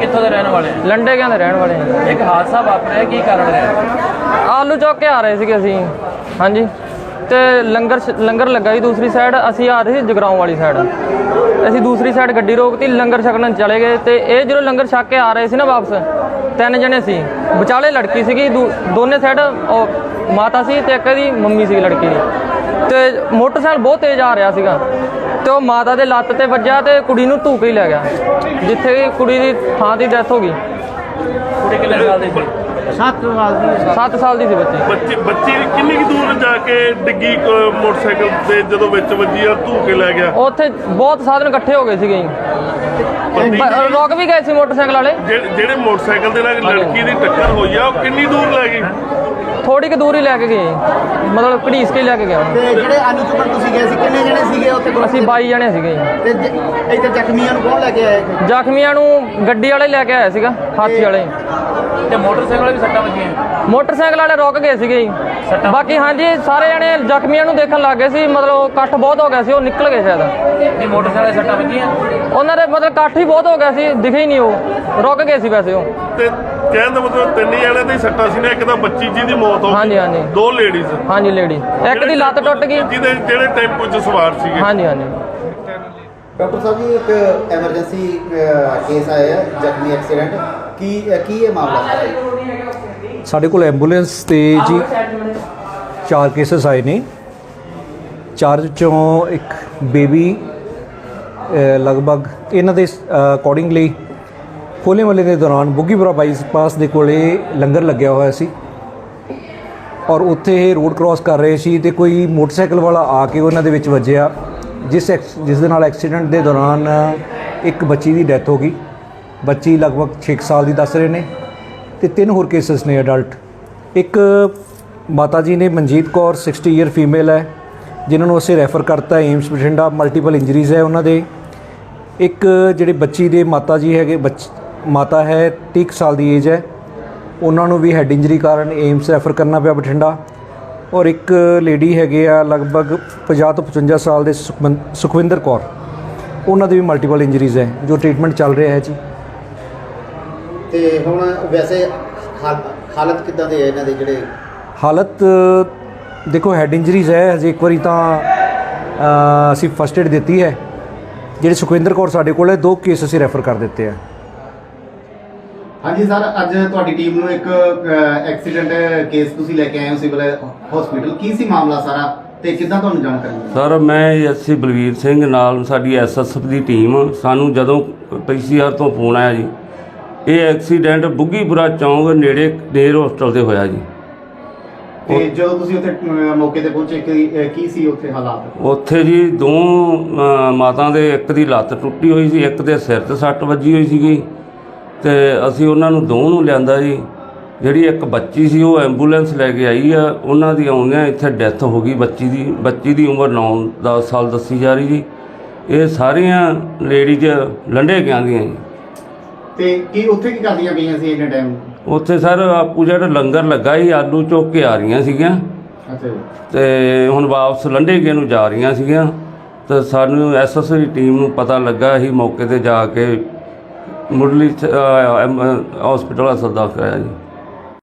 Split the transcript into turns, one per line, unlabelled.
ਕਿੱਥੋਂ ਦੇ ਰਹਿਣ ਵਾਲੇ?
ਲੰਡੇ ਕਿਆਂ ਦੇ ਰਹਿਣ ਵਾਲੇ ਹਾਂ।
ਇੱਕ ਹਾਦਸਾ ਵਾਪਰਿਆ, ਕੀ ਕਾਰਨ ਰਿਹਾ?
ਆਲੂ ਚੁੱਕ ਕੇ ਆ ਰਹੇ ਸੀਗੇ ਅਸੀਂ, ਹਾਂਜੀ, ਤੇ ਲੰਗਰ ਲੱਗਾ ਜੀ ਦੂਸਰੀ ਸਾਈਡ, ਅਸੀਂ ਆ ਰਹੇ ਸੀ ਜਗਰਾਉਂ ਵਾਲੀ ਸਾਈਡ। ਅਸੀਂ ਦੂਸਰੀ ਸਾਈਡ ਗੱਡੀ ਰੋਕਤੀ, ਲੰਗਰ ਛਕਣ ਚਲੇ ਗਏ। ਤੇ ਇਹ ਜਦੋਂ ਲੰਗਰ ਛਕ ਕੇ ਆ ਰਹੇ ਸੀ ਨਾ ਵਾਪਸ, 3 ਜਣੇ ਸੀ, ਵਿਚਾਲੇ ਲੜਕੀ ਸੀਗੀ, ਦੋਨੇ ਸਾਈਡ ਉਹ ਮਾਤਾ ਸੀ ਤੇ ਇੱਕ ਦੀ ਮੰਮੀ ਸੀ ਲੜਕੀ ਦੀ। ਤੇ ਮੋਟਰਸਾਈਕਲ ਬਹੁਤ ਤੇਜ਼ ਆ ਰਿਹਾ ਸੀਗਾ ਤੇ ਉਹ ਮਾਤਾ ਦੇ ਲੱਤ ਤੇ ਵੱਜਿਆ ਤੇ ਕੁੜੀ ਨੂੰ ਧੂ ਕੇ ਹੀ ਲੈ ਗਿਆ, ਜਿੱਥੇ ਕਿ ਕੁੜੀ ਦੀ ਥਾਂ ਦੀ ਡੈਥ ਹੋ ਗਈ।
ਕੁੜੀ ਕਿੰਨੇ ਸਾਲ ਦੀ ਸੀ?
7 ਸਾਲ ਦੀ ਸੀ
ਬੱਚੀ ਕਿੰਨੀ ਕੁ ਦੂਰ ਜਾ ਕੇ ਡਿੱਗੀ ਮੋਟਰਸਾਈਕਲ ਤੇ ਜਦੋਂ ਵਿੱਚ ਵੱਜੀ ਆ ਧੂ ਕੇ ਲੈ ਗਿਆ?
ਉੱਥੇ ਬਹੁਤ ਸਾਧਨ ਇਕੱਠੇ ਹੋ ਗਏ ਸੀਗੇ, ਰੁਕ ਵੀ ਗਏ ਸੀ ਮੋਟਰਸਾਈਕਲ ਵਾਲੇ।
ਜਿਹੜੇ ਮੋਟਰਸਾਈਕਲ ਦੇ ਨਾਲ ਲੜਕੀ ਦੀ ਟੱਕਰ ਹੋਈ ਆ ਉਹ ਕਿੰਨੀ ਦੂਰ ਲੈ ਗਈ?
ਥੋੜੀ ਕੁ ਦੂਰ ਹੀ ਲੈ ਕੇ ਗਏ, ਮਤਲਬ ਘੜੀਸ ਕੇ ਲੈ ਕੇ ਗਿਆ।
ਤੇ ਜਿਹੜੇ ਆਲੂ ਚੁੱਕਣ ਤੁਸੀਂ ਗਏ ਸੀ ਕਿੰਨੇ ਜਣੇ ਸੀਗੇ ਉੱਥੇ?
ਅਸੀਂ 22 ਜਣੇ ਸੀਗੇ।
ਤੇ ਇੱਥੇ ਜ਼ਖਮੀਆਂ ਨੂੰ ਕੌਣ ਲੈ ਕੇ ਆਇਆ?
ਜ਼ਖਮੀਆਂ ਨੂੰ ਗੱਡੀ ਵਾਲੇ ਲੈ ਕੇ ਆਇਆ ਸੀਗਾ, ਹਾਥੀ ਵਾਲੇ।
ਤੇ ਮੋਟਰਸਾਈਕਲ ਵਾਲੇ ਵੀ ਸੱਟਾਂ ਵੱਜੀਆਂ?
ਮੋਟਰਸਾਈਕਲ ਵਾਲੇ ਰੁਕ ਗਏ ਸੀਗੇ ਜੀ। ਬਾਕੀ ਹਾਂਜੀ ਸਾਰੇ ਜਣੇ ਜ਼ਖਮੀਆਂ ਨੂੰ ਦੇਖਣ ਲੱਗ ਗਏ ਸੀ, ਮਤਲਬ ਇਕੱਠ ਬਹੁਤ ਹੋ ਗਿਆ ਸੀ, ਉਹ ਨਿਕਲ ਗਏ ਸ਼ਾਇਦ।
ਨਹੀਂ, ਮੋਟਰਸਾਈਕਲ ਵਾਲੇ ਸੱਟਾਂ ਵੱਜੀਆਂ?
ਉਹਨਾਂ ਦੇ ਮਤਲਬ ਇਕੱਠ ਹੀ ਬਹੁਤ ਹੋ ਗਿਆ ਸੀ, ਦਿਖੇ ਹੀ ਨਹੀਂ, ਉਹ ਰੁਕ ਗਏ ਸੀ ਵੈਸੇ ਉਹ।
ਤੇ ਕਹਿਣ ਦਾ ਮਤਲਬ 3 ਜਣਿਆਂ ਦੀ ਸੱਟਾਂ ਸੀ ਨਾ, ਇੱਕ ਤਾਂ ਬੱਚੀ ਜੀ ਦੀ ਮੌਤ ਹੋ ਗਈ,
ਹਾਂਜੀ ਹਾਂਜੀ,
2 ਲੇਡੀਜ਼,
ਹਾਂਜੀ ਲੇਡੀ, ਇੱਕ ਦੀ ਲੱਤ ਟੁੱਟ ਗਈ,
ਜਿਹੜੇ ਟੈਂਪੂ 'ਚ ਸਵਾਰ ਸੀਗੇ।
ਹਾਂਜੀ ਹਾਂਜੀ।
ਡਾਕਟਰ ਸਾਹਿਬ ਜੀ, ਇੱਕ ਐਮਰਜੈਂਸੀ ਕੇਸ ਆਇਆ ਹੈ, ਜ਼ਖਮੀ ਐਕਸੀਡੈਂਟ, ਕੀ ਇਹ ਮਾਮਲਾ ਹੈ?
ਸਾਡੇ ਕੋਲ ਐਂਬੂਲੈਂਸ ਤੇ ਜੀ 4 ਕੇਸਿਸ ਆਏ ਨੇ। 4 ਚੋਂ ਇੱਕ ਬੇਬੀ ਲਗਭਗ ਇਹਨਾਂ ਦੇ ਅਕੋਰਡਿੰਗਲੀ ਹੋਲੇ ਮਹੱਲੇ ਦੇ ਦੌਰਾਨ ਬੁੱਗੀਪੁਰਾ ਬਾਈਪਾਸ ਦੇ ਕੋਲੇ ਲੰਗਰ ਲੱਗਿਆ ਹੋਇਆ ਸੀ ਔਰ ਉੱਥੇ ਇਹ ਰੋਡ ਕ੍ਰਾਸ ਕਰ ਰਹੇ ਸੀ ਤੇ ਕੋਈ ਮੋਟਰਸਾਈਕਲ ਵਾਲਾ ਆ ਕੇ ਉਹਨਾਂ ਦੇ ਵਿੱਚ ਵੱਜਿਆ, ਜਿਸ ਦੇ ਨਾਲ ਐਕਸੀਡੈਂਟ ਦੇ ਦੌਰਾਨ ਇੱਕ ਬੱਚੀ ਦੀ ਡੈਥ ਹੋ ਗਈ। ਬੱਚੀ ਲਗਭਗ 6 ਸਾਲ ਦੀ ਦੱਸ ਰਹੇ ਨੇ ਤੇ 3 ਹੋਰ ਕੇਸਿਸ ਨੇ ਅਡਲਟ। ਇੱਕ ਮਾਤਾ ਜੀ ਨੇ ਮਨਜੀਤ ਕੌਰ 60 ਈਅਰ ਫੀਮੇਲ ਹੈ, ਜਿਨ੍ਹਾਂ ਨੂੰ ਅਸੀਂ ਰੈਫਰ ਕਰਤਾ ਏਮਸ ਬਠਿੰਡਾ, ਮਲਟੀਪਲ ਇੰਜਰੀਜ਼ ਹੈ ਉਹਨਾਂ ਦੇ। ਇੱਕ ਜਿਹੜੇ ਬੱਚੀ ਦੇ ਮਾਤਾ ਜੀ ਹੈਗੇ, ਮਾਤਾ ਹੈ 30 ਸਾਲ ਦੀ ਏਜ ਹੈ, ਉਹਨਾਂ ਨੂੰ ਵੀ ਹੈਡ ਇੰਜਰੀ ਕਾਰਨ ਏਮਸ ਰੈਫਰ ਕਰਨਾ ਪਿਆ ਬਠਿੰਡਾ। ਔਰ ਇੱਕ ਲੇਡੀ ਹੈਗੇ ਆ ਲਗਭਗ 50 ਤੋਂ 55 ਸਾਲ ਦੇ ਸੁਖਵਿੰਦਰ ਕੌਰ, ਉਹਨਾਂ ਦੇ ਵੀ ਮਲਟੀਪਲ ਇੰਜਰੀਜ਼ ਹੈ ਜੋ ਟ੍ਰੀਟਮੈਂਟ ਚੱਲ ਰਿਹਾ ਹੈ ਜੀ।
ਤੇ ਹੁਣ ਵੈਸੇ ਹਾਲਤ ਕਿੱਦਾਂ ਦੇ ਹੈ ਇਹਨਾਂ ਦੇ? ਜਿਹੜੇ
ਹਾਲਤ ਦੇਖੋ ਹੈਡ ਇੰਜਰੀਜ਼ ਹੈ, ਹਜੇ ਇੱਕ ਵਾਰੀ ਤਾਂ ਅਸੀਂ ਫਸਟ ਏਡ ਦਿੱਤੀ ਹੈ। ਜਿਹੜੇ ਸੁਖਵਿੰਦਰ ਕੌਰ ਸਾਡੇ ਕੋਲ ਹੈ 2 ਕੇਸ ਅਸੀਂ ਰੈਫਰ ਕਰ ਦਿੱਤੇ ਆ।
ਹਾਂਜੀ ਸਰ, ਅੱਜ ਤੁਹਾਡੀ ਟੀਮ ਨੂੰ ਇੱਕ ਐਕਸੀਡੈਂਟ ਕੇਸ ਤੁਸੀਂ ਲੈ ਕੇ ਆਏ ਹੋ ਸਿਵਲ ਹਸਪੀਟਲ, ਕੀ ਸੀ ਮਾਮਲਾ ਸਾਰਾ ਤੇ ਕਿੱਦਾਂ ਤੁਹਾਨੂੰ ਜਾਣਕਾਰੀ ਮਿਲੀ?
ਸਰ, ਮੈਂ ਐਸਸੀ ਬਲਵੀਰ ਸਿੰਘ ਨਾਲ ਸਾਡੀ ਐਸਐਸਐਫ ਦੀ ਟੀਮ, ਸਾਨੂੰ ਜਦੋਂ ਪੀਸੀਆਰ ਤੋਂ ਫੋਨ ਆਇਆ ਜੀ, ਇਹ ਐਕਸੀਡੈਂਟ ਬੁੱਗੀਪੁਰਾ ਚੌਂਕ ਨੇੜੇ ਨੇਰ ਹੋਸਟਲ ਤੇ ਹੋਇਆ ਜੀ।
ਤੇ ਜਦੋਂ ਤੁਸੀਂ ਉੱਥੇ ਮੌਕੇ ਤੇ ਪਹੁੰਚੇ ਕੀ ਸੀ ਉੱਥੇ ਹਾਲਾਤ?
ਉੱਥੇ ਜੀ 2 ਮਾਤਾ ਦੇ, ਇੱਕ ਦੀ ਲੱਤ ਟੁੱਟੀ ਹੋਈ ਸੀ, ਇੱਕ ਦੇ ਸਿਰ 'ਤੇ ਸੱਟ ਵੱਜੀ ਹੋਈ ਸੀਗੀ ਤੇ ਅਸੀਂ ਉਹਨਾਂ ਨੂੰ 2 ਨੂੰ ਲਿਆਂਦਾ ਜੀ। ਜਿਹੜੀ ਇੱਕ ਬੱਚੀ ਸੀ ਉਹ ਐਂਬੂਲੈਂਸ ਲੈ ਕੇ ਆਈ ਆ, ਉਹਨਾਂ ਦੀ ਆਉਂਦਿਆਂ ਇੱਥੇ ਡੈਥ ਹੋ ਗਈ ਬੱਚੀ ਦੀ ਉਮਰ 9-10 ਸਾਲ ਦੱਸੀ ਜਾ ਰਹੀ ਜੀ। ਇਹ ਸਾਰੀਆਂ ਲੇਡੀਜ਼ ਲੰਡੇ ਕਿਆਂ ਦੀਆਂ ਜੀ।
ਤੇ ਕੀ ਉੱਥੇ ਕੀ ਕਰਦੀਆਂ ਪਈਆਂ ਸੀ ਇੰਨੇ ਟਾਈਮ?
ਉੱਥੇ ਸਰ ਆਪੂ ਜਿਹੜਾ ਲੰਗਰ ਲੱਗਾ ਸੀ, ਆਲੂ ਚੁੱਕ ਕੇ ਆ ਰਹੀਆਂ ਸੀਗੀਆਂ
ਅੱਛਾ ਜੀ।
ਤੇ ਹੁਣ ਵਾਪਸ ਲੰਡੇ ਕੇ ਨੂੰ ਜਾ ਰਹੀਆਂ ਸੀਗੀਆਂ ਤੇ ਸਾਨੂੰ ਐਸਐਸਓ ਦੀ ਟੀਮ ਨੂੰ ਪਤਾ ਲੱਗਾ, ਅਸੀਂ ਮੌਕੇ ਤੇ ਜਾ ਕੇ ਮੁੱਢਲੀ ਹਸਪੀਟਲ ਦਾ ਸੱਦਾ ਕਰਾਇਆ ਜੀ।